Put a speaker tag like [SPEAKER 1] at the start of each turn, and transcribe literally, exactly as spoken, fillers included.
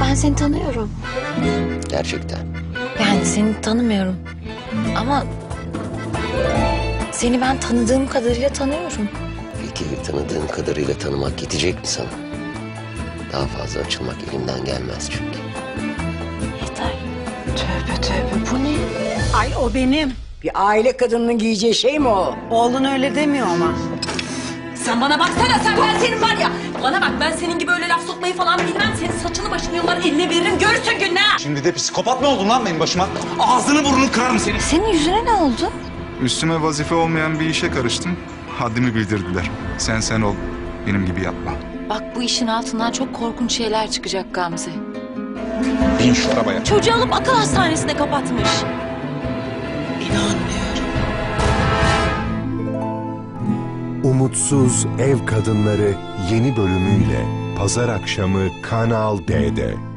[SPEAKER 1] ben seni tanıyorum.
[SPEAKER 2] Gerçekten.
[SPEAKER 1] Yani seni tanımıyorum. Ama seni ben tanıdığım kadarıyla tanıyorum.
[SPEAKER 2] Peki tanıdığın kadarıyla tanımak yetecek mi sana? Daha fazla açılmak elimden gelmez çünkü.
[SPEAKER 1] Yeter.
[SPEAKER 3] Tövbe tövbe bu ne?
[SPEAKER 4] Ay o benim.
[SPEAKER 3] Bir aile kadınının giyeceği şey mi o?
[SPEAKER 4] Oğlun öyle demiyor ama.
[SPEAKER 5] Sen bana baksana, sen ben senin var ya. Bana bak, ben senin gibi öyle laf sokmayı falan bilmem. Senin saçını başını yollar eline veririm, görürsün gününü ha.
[SPEAKER 6] Şimdi de psikopat mı oldun lan benim başıma? Ağzını burnunu kırarım senin.
[SPEAKER 1] Senin yüzüne ne oldu?
[SPEAKER 7] Üstüme vazife olmayan bir işe karıştım. Haddimi bildirdiler. Sen sen ol, benim gibi yapma.
[SPEAKER 1] Bak bu işin altından çok korkunç şeyler çıkacak Gamze.
[SPEAKER 6] Bin şu arabaya.
[SPEAKER 5] Çocuğu alıp akıl hastanesine kapatmış.
[SPEAKER 8] Umutsuz Ev Kadınları yeni bölümüyle Pazar akşamı Kanal D'de.